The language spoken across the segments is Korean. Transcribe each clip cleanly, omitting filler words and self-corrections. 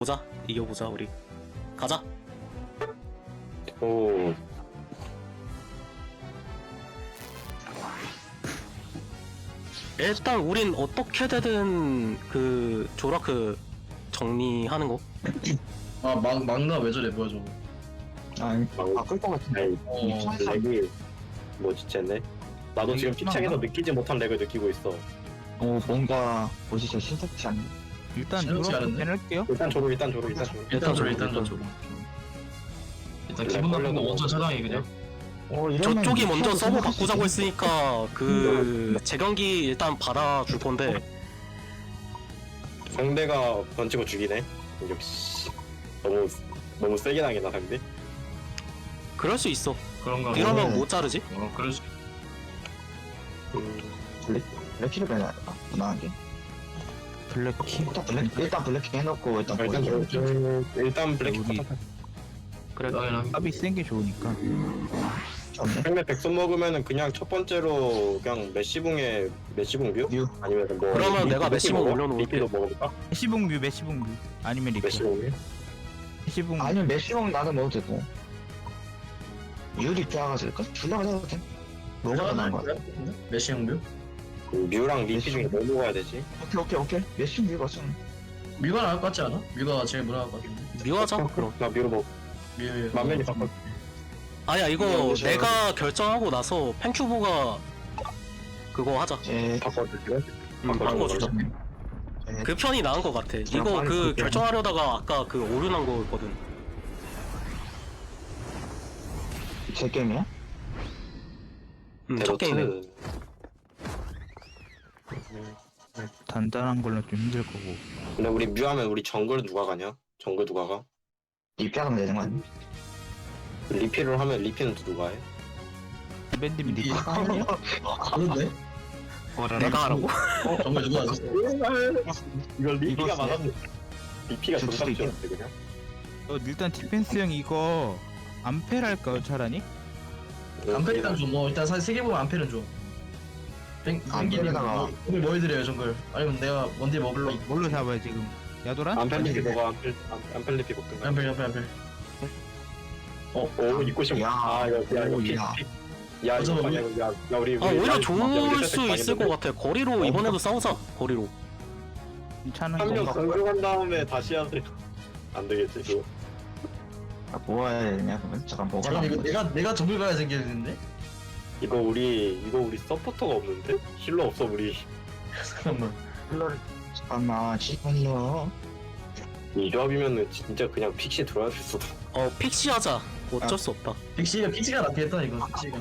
보자. 이겨보자 우리. 가자. 오. 일단 우린 어떻게 되든 그 조라크 정리하는 거. 막나 왜 저래 뭐야 저거. 아니 바꿀 것 같은데. 아이, 렉이 뭐지 쟤네? 나도 지금 피창에서 느끼지 못한 렉을 느끼고 있어. 뭔가 뭐지 신탁치 않네. 일단 신경쓰지 이렇게 않은데? 해낼게요. 일단 조로. 일단 기분 나쁜 거 먼저 차장이 그냥. 저쪽이 먼저 서버 바꾸자고 했으니까 그 재경기 일단 받아줄 건데. 상대가 던지고 죽이네. 역시 너무 세게 당했나 상대? 그럴 수 있어. 그런가. 이러면 못 자르지? 그럴 수. 블랙키를 빼놔야 될까? 무난하게. 블랙키. 일단 블랙키 해놓고 일단 일단 블랙 우리- 그래. 값이 센 게 좋으니까. 좋네. 상대 백손 먹으면은 그냥 첫 번째로 그냥 메시붕에 메시붕 뷰? 뮤. 아니면 뭐 그러면 내가 메시붕 먹어? 올려놓을게. 리피도 먹어볼까? 메시붕 뮤 아니면 리피. 메시붕 뷰? 메시붕. 아니면 메시봉 나는 먹어도 되고. 유리 빼앗을까? 둘다 가져도 돼. 뭐가 더 나은 거야? 메시 형뷰? 뮤랑 리피 중에 뭐 먹어야 되지? 오케이. 메시 뮤가 좀. 뮤가 나을 것 같지 않아? 뮤가 제일 무난할 것 같은데. 미워하자. 그럼. 나 뮤로 먹 만면이 바꿔. 아니야 이거 미워하자. 내가 결정하고 나서 팬큐브가 그거 하자. 바꿔줄게. 바꿔주자. 그 편이 나은 것 같아. 이거 그 결정하려다가 아까 그 오류난 거거든. 제 게임이야? 첫 게임에. 단단한 걸로 좀 힘들 거고. 근데 우리 뮤하면 우리 정글 누가 가냐? 정글 누가 가? 이 빼앗으면 되는 거 아니야? 리피를 하면 리피는 또 누가 해? 밴드민 리피. 그런데? 내가 하라고? 정말 누가 하지? 이걸 리피가 이거 맞았는데 리피가 줄 수도 정답이었는데 그냥? 일단 디펜스 형 이거 암펠 할까요 차라니? 암페리단 좀 뭐 일단 사실 세개 보면 암페는 좀. 암페리다가- 오늘 뭐 해드려요 정글? 아니면 내가 원딜 먹을로? 뭘로 잡아요 지금? 야도란? 안펠리피 먹어 안펠리피 먹든가. 암페. 오 입고 싶어. 야. 아 이거 야 이거 피. 야. 야 이거 어쩌면 만약 야 우리 아 오히려 좋을 우리 수 있을 것 같아. 거리로 이번에도 싸우자. 거리로. 괜찮은 한명 거. 공격한 다음에 다시 해야 돼. 안 되겠지 그거. 뭐 해야 되냐 그러면? 잠깐 뭐가 잠깐 나은 이거 거지? 내가 정글 가야 생기는데? 이거 우리 서포터가 없는데? 힐러 없어 우리. 잠깐만. 잠깐만요. 이 조합이면은 진짜 그냥 픽시 들어야 될 수도. 픽시 하자. 어쩔 수 없다. 픽시가 낫겠다 이거 픽시가.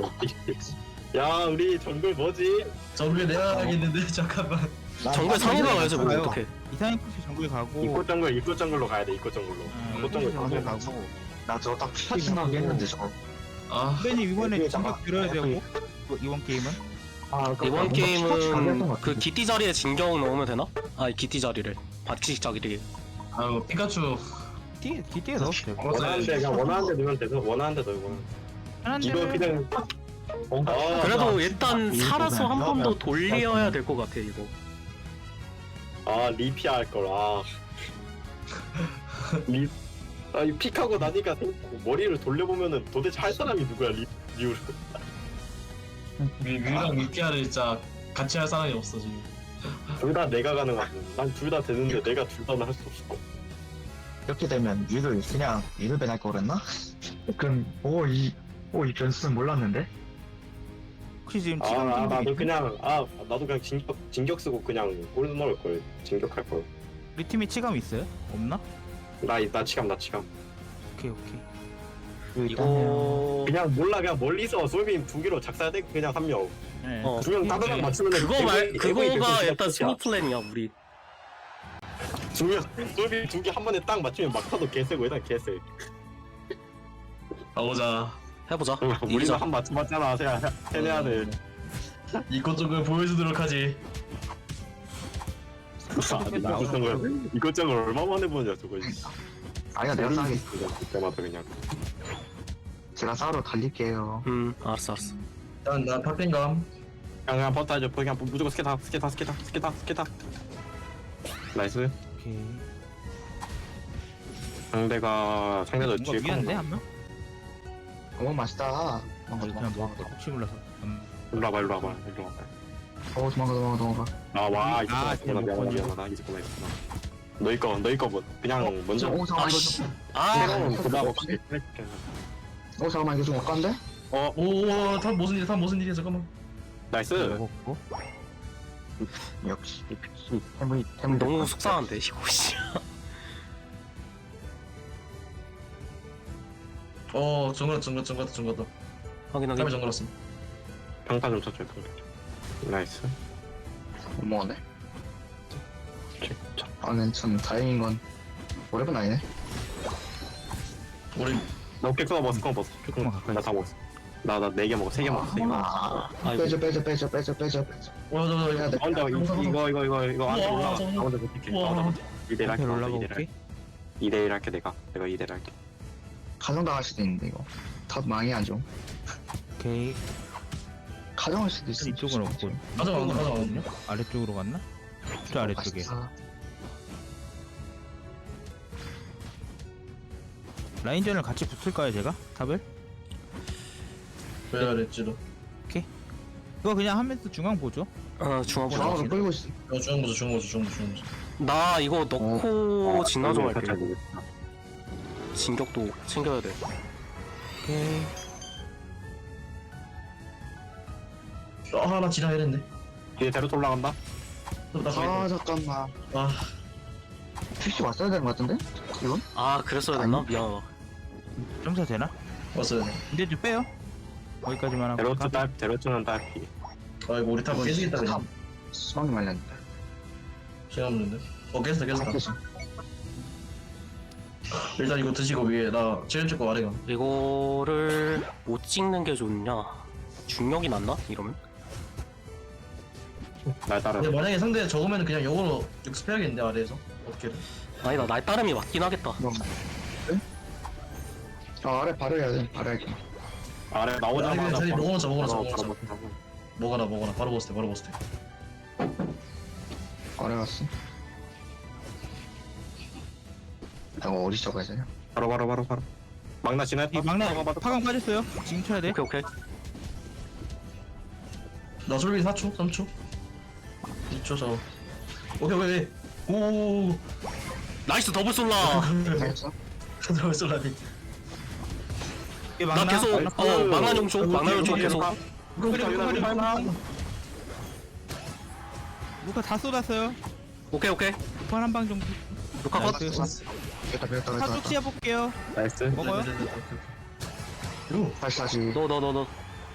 야 우리 정글 뭐지? 정글 내가 가겠는데 잠깐만. 정글 상위가 가야지 뭐 가요. 어떡해. 이상한 코스 정글 가고. 입고 정글로 가야 돼. 입고 정글로. 입고 정글 정글 가서. 가고. 나 저거 딱 피하신다고 했는데 저거. 아 밴님 이번에 이게 진격 잠깐- 들어야 되고. 이번 게임은? 이번 게임은 그 기띠 자리에 진격 넣으면 되나? 아니 기띠 자리를. 바치 자리를. 아유 피카츄. 기대에 넣어도 되고. 원하는데 그냥 원하는데 넣으면 돼서 원하는데 넣고. 이거 그냥 그래도 일단 이거 살아서 한 번 더 그냥 돌려야 될 것 같아 이거. 리피 할 걸. 이 픽하고 나니까 머리를 돌려보면은 도대체 할 사람이 누구야 리우를. 뮤랑 미피아를 진짜 같이 할 사람이 없어 지금. 둘 다 내가 가능하고 난 둘 다 되는데 내가 둘 다는 할 수 없어. 이렇게 되면 유를 그냥 유를 배날 거 그랬나? 그럼 이 변수는 몰랐는데? 혹시 지금 나도 그냥 나도 그냥 진격 쓰고 그냥 골 넣을 걸. 진격할 걸. 우리 팀에 치감 있어요? 없나? 나 치감. 오케이. 이거 그냥 몰라 그냥 멀리서 솔빈 두 개로 작살되고 그냥 한 명. 네. 두 명 따다닥 맞추면 그거가 일단 스무 플랜이야 우리. 두명 솔빈 두 개 한 번에 딱 맞추면 막타도 개세고 일단 개세. 가보자. 해보자. 우리도 이기자. 한 맞춰봤잖아. 해내야 돼. 이것 쪽을 보여주도록 하지. 이것저것 얼마 만에 보냐 저거. 아니야 내가 싸게. 그때마다 그냥. 제가 싸우러 달릴게요. 알았어. 일단 나 팝pen감. 그냥 버터 하죠. 그냥 무조건 스케다. 나이스. 오케이. 상대도 뭔가 뒤에 위한데 한 명? 오 맛있다. 도망가 그냥 도망가 뭐 혹시 몰라서. 일로 와봐 일로 와봐. 도망가. 아와 아, 있었구나 미안하다 있었구나. 너희 거 뭐 그냥 먼저 오 잠깐만 이거 좀. 새로운 부담 없이 오 잠깐만 이거 좀 엇간데? 오, 다 무슨 일이야 잠깐만. 나이스. 먹었고. 역시 태물이 너무 속상한데 이거 씨. 정글다. 확인 탑에 확인. 정글었음. 평타 좀 쳐줘요. 나이스. 고마워네. 자, 아는 참 다행인 건 오래분 아니네. 우리 나 오케이 그거 먹었어. 조금만 가까이. 나다 먹었어. 나 4개 먹었어. 3개 먹었어. 3개 먹었어. 아이고. 빼줘. 와, 해야 돼. 먼저 이거 안 우와, 올라가. 저거. 나 먼저 못할게. 우와. 2대1 할게. 앞에 올라가 볼게. 2대1 할게 내가 2대1 할게. 가정당할 수도 있는데 이거 다 망이 안 좋음. 오케이. 가정할 수도 있어. 이쪽은 없고. 가져가거든요. 아래쪽으로 갔나? 저 아래쪽에. 맛있다. 라인전을 같이 붙을까요 제가? 탑을? 왜 그랬지도. 그거 그냥 하면서 중앙 보죠. 중앙 보자. 중앙으로 끌고 있어. 중앙보자. 나 이거 넣고 진화 좀 할게. 할게. 진격도 챙겨야 돼. 오케이. 나 지나야 되는데. 뒤에 데로트 올라간다. 아 잠깐만. 아, 퓨시 왔어야 되는 것 같은데? 이건? 아 그랬어야 됐나? 미안하다. 점사 되나? 왔어요. 이제 좀 빼요. 거기까지만 하고. 데로트는 딸피. 아이고 우리 탑 깨지겠다 그냥. 수박이 말렸네. 시간 없는데. 깼어. 깨지. 일단 이거 드시고 위에 나 제일 찍고 아래가. 이거를 못 찍는 게 좋냐? 중력이 낫나? 이러면? 날 따라. 근데 만약에 상대 적으면 그냥 역으로 육습해야겠는데 아래에서 어떻게든. 아니다 날 따름이 맞긴 하겠다. 그럼. 네? 아래 바로해야 돼. 바로해야지. 아래 나오자마자 자리 바로- 먹어놓자. 바로 먹어라. 바로 보스테. 아래 갔어. 이거 어디 적어야 되냐? 바로. 막나 지났다. 이 막내 파강 빠졌어요. 지금 쳐야 돼. 오케이. 나 솔비 4초, 3초, 2초 저. 오케이. 오. 나이스 더블 솔라. 알겠어? 들어갈 솔라니. 이 나 막나. 계속 나이스. 망한 용초 계속. 루카 다 쏟았어요. 오케이. 루카 한방 정도. 루카 컷. 나이스. 됐다. 사쪽 시야 볼게요. 나이스. 먹어요. 다시. 너.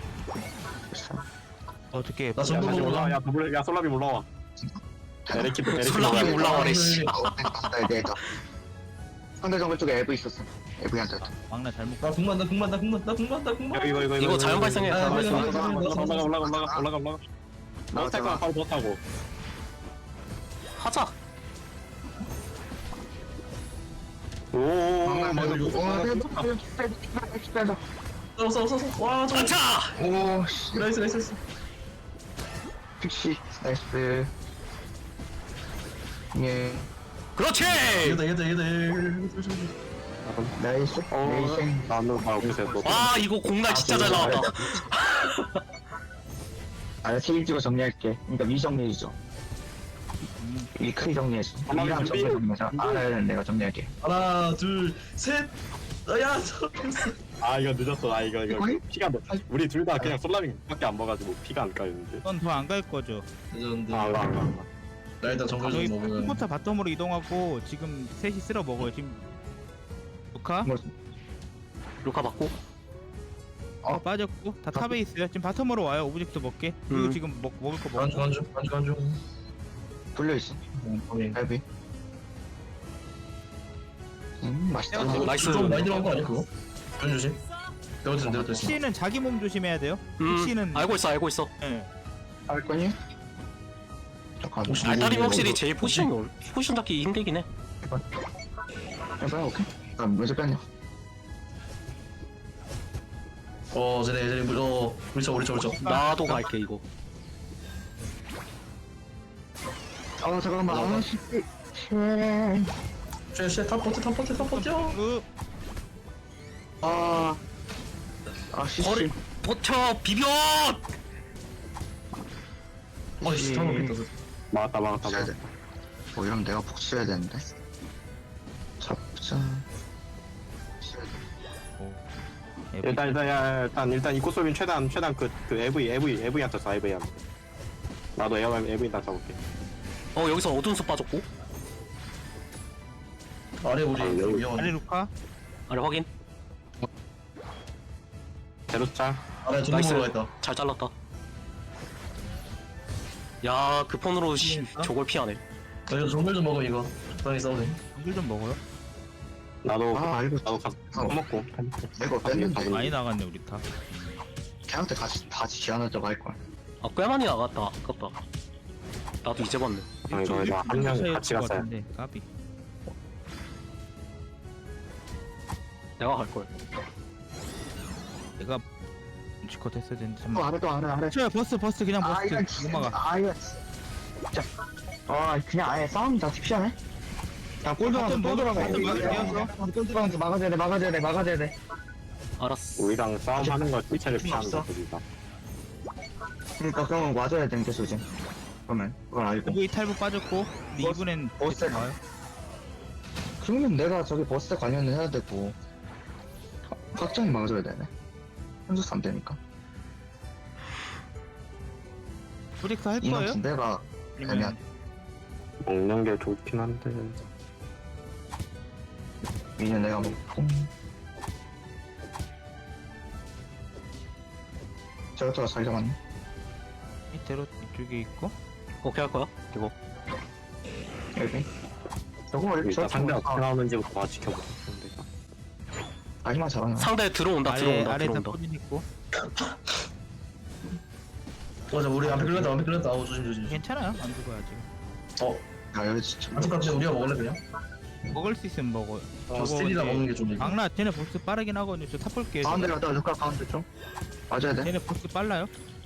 어떻게? 나 전부 다시 올라. 올라와. 야 솔라빔 올라와. 에레키도 솔라빔 올라와래, 씨. 네. 상대 정글 쪽에 에브 있었어. 에브한테. 막나 잘못. 나 궁만. 이거 자연 발생해. 아, 자연 그래, 발생. 그래. 올라가. 나 탈거 바로 못 타고. 하자. 오. 써. 와, 저. 자. 오 씨. 나이스. 픽시 나이스. 예. 그렇지. 얘다. 나이스. 네이생. 나는 바로 그래서 또. 와 이거 공날 진짜 잘 나왔다. 아, 책임지고 정리할게. 그러니까 위 정리해주죠. 위 크게 정리해줘. 위랑 정리 정리해줘. 아래는 내가 정리할게. 하나, 둘, 셋. 야, 저. 아 이거 늦었어. 아 이거 어이? 피가 안 나. 우리 둘 다 그냥 솔라빔밖에 안 먹어가지고 피가 안 까였는데. 넌 더 안 갈 거죠. 레전드. 안 가. 나 일단 정글 저희 좀 먹으면. 컴포터 바텀으로 이동하고 지금 셋이 쓸어 먹어요. 지금 루카 루카 받고. 빠졌고 다 탑에 있어요. 지금 바텀으로 와요. 오브젝트 먹게. 그리고 지금 먹을 거 먹고. 간주. 돌려있어. 갈비. 맛있다. 나이스. 좀 많이 들어간 거 아니야 그거? 전 조심. 내가 C는 자기 몸 조심해야 돼요. C는 알고 있어. 예. 할 거니? 잠깐. 알타림이 확실히 제일 포지션 잡기 힘들긴 해. 해봐, 오케이. 아, 먼저 뺐냐? 쟤네 우리 쳐. 나도 갈게 이거. 아, 잠깐만. 아, 씨. 탑 버텨. 아 CC. 거리 버텨 비벼. 어이씨 탑 먹겠다. 막았다. 해야 돼. 이러면 내가 복수해야 되는데. 잡자. 일단 이 꽃소빈 최단 그 AV한테 써 AV한테. 나도 AV한테 잡을게. 여기서 어두운 숲 빠졌고. 아래 우리 여기. 아래 위험한데. 루카. 아래 확인. 제로차. 아래 전부 나이스. 올라가 있다. 잘 잘랐다. 야, 그 폰으로 저걸 피하네. 이거 정글 좀 먹어 이거. 적당히 싸우네. 정글 좀 먹어요. 나도 알고. 나도 가서 먹고. 이거 뺐는데. 많이 나갔네 우리 다. 걔한테 같이 기한하자고 할 거야. 아, 꽤 많이 나갔다. 아깝다. 나도 이제 봤네. 이거 한 명 같이 갔어요. 까비. 내가 갈 걸. 내가 눈치껏 했어야 되는데 또 잠깐만. 아래 또 아래. 저 버스 그냥 이건 버스 넘어가. 이거 진짜. 그냥 아예 싸움 자체 피하네. 야, 골 들어가서 바텀 또 들어가. 바텀 막았어. 골 들어가서 막아줘야 돼. 알았어. 우리랑 싸움하는 거 삐체를 필요 피하는 없어. 거 거기다. 그러니까 그러면 와줘야 되는 계속 지금. 그러면 그걸 알고. 여기 탈부 빠졌고 근데 버스- 이번엔 버스 나와요. 그러면 내가 저기 버스 관련을 해야 되고 확정이 막아줘야 되네. 현수스 안 되니까. 프로젝트 할 거예요? 이만큼 내가 아니면 먹는 게 좋긴 한데. 미니언 내가 먹고. 저것도 잘 잡았네. 밑으로 이쪽에 있고 오케이 할 거야? 이거. 여기. 저거 일단 상대가 어떻게 나오는지부터 지켜보자. 아니만 잘하나? 상대 들어온다. 아래에서 들어온다. 포진 있고 맞아 우리 앞에 끌렸다. 아우 조심. 괜찮아요. 안 죽어요 아직. 야 여기 진짜. 안쪽까지 우리가 먹을래 그냥? 먹을 수 있으면 먹어요. 저 스틸이라 먹는 게 좀. 악라 쟤네 보스 빠르긴 하거든요. 저 탑볼게요. 가운데 갔다 루카 가운데 좀. 맞아야 돼. 쟤네 보스 빨라요.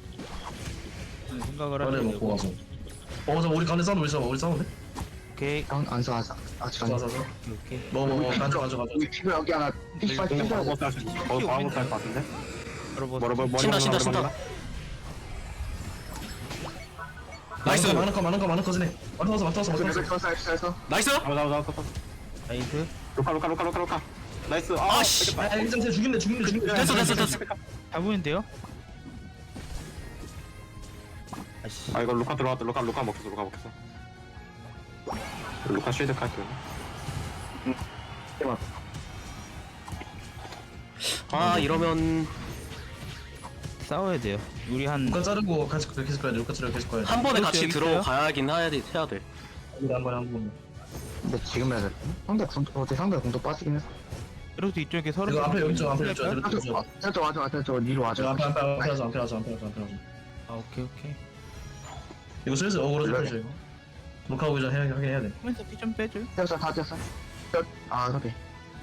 생각을 아래 하면 먹고 되고. 가서. 맞아 우리 가운데 싸우는 우리 싸우는데? 오케이 안서 아직 안. 가서. 오케이. 먹어. 가져. 여기 피부 여기 하나. 피부 근데 피부. 바로 못할 것 같은데? 바로 보스. 뭐라 신다. 나이스. 많은 거 지네. 맞았어. 그래서 나이스. 잡아. 나이스. 루카. 나이스. 아, 씨. 아 일단 죽인대. 됐어. 잡으면 아씨. 아 이거 루카 들어왔다. 루카 먹혔어. 루카 쉴드 할게요. 아, 이러면 싸워야 돼요. 우리 한 루카 자르고 같이 계속 가야 돼. 루카 자르고 계속 가야 돼. 한 번에 그렇죠, 같이 여기 들어가야긴 해야 돼. 한 번. 근데 지금 해야 돼. 상대 공도 빠지긴 했어. 그래도 이쪽에 서로 이거 앞에 여기 좀 앞에 할까요? 좀. 저 니로 와줘. 앞에 하자. 아 오케이. 이거 슬슬 어그로 좀 펴줘 이거. 루카 오기 전에 해야 돼. 하면서 피좀 빼줘. 됐어 다 됐어. 그래.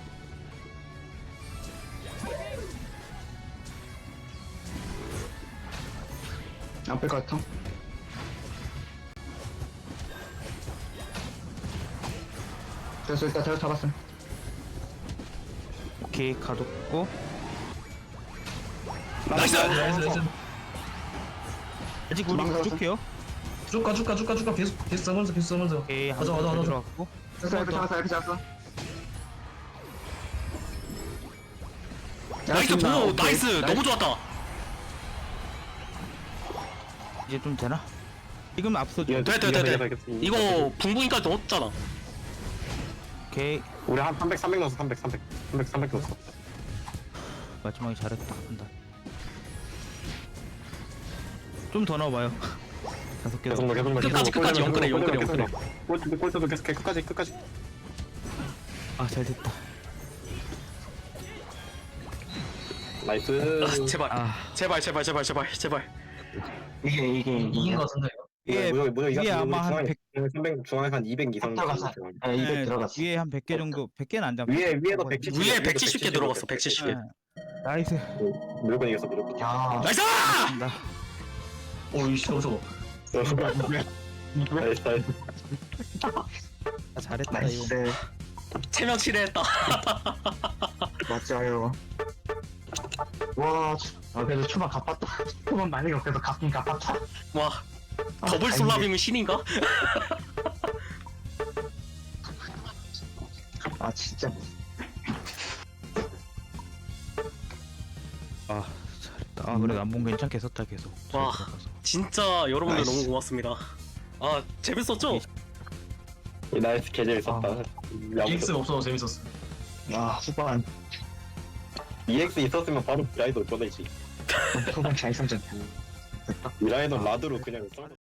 안 뺄 것 같아. 됐어 일단 제가 잡았어. 오케이 가뒀고. 나이스. 아직 우리 도망가서. 부족해요. 쭉 가. 계속 싸면서. 오케이 맞아. 들어왔고. 됐어 이렇게 잡았어. 나이스. 오, 나이스. 너무 좋았다. 이제 좀 되나? 지금 앞서죠. 돼. 이거 붕붕이까지 넣었잖아. 오케이 우리 한 300 넣었어. 300 넣었어. 마지막에 잘했다. 한다. 좀 더 넣어봐요. 5개 계속 넣어. 끝까지 영끌해. 꼴찌도 계속해. 끝까지. 아잘 됐다. 나이스. 제발. 아 제발. 이게 이긴 거 같은데 이거. 위에 아마 한 100. 중앙에 한 200 이상 들어갔어. 200 들어갔어. 위에 한 100개 정도. 100개는 안 잡아. 위에도 170. 위에 170개 들어갔어. 170개. 나이스. 무조건 이겼어. 무조건. 야. 나이스! 나 오이씨 저거. 나이스. 잘했다 이거. 나이스. 체면 치레했다. 맞아요. 와, 그래도 초반 갚았다. 초반 만약에 그래도 갚긴 갚았다. 와 더블 다행이네. 솔라비면 신인가? 아, 진짜. 아 잘했다. 아 그래도 안본 괜찮게 썼다 계속. 잘 와. 들어가서. 진짜 여러분들 나이스. 너무 고맙습니다. 아 재밌었죠? 이 나이스 계절 있었다. EX 없어서 재밌었어. 아, 후반, EX 있었으면 바로 미라이도 꺼내지. 후반 잘 선전. 미라이도 라드로 그냥 써.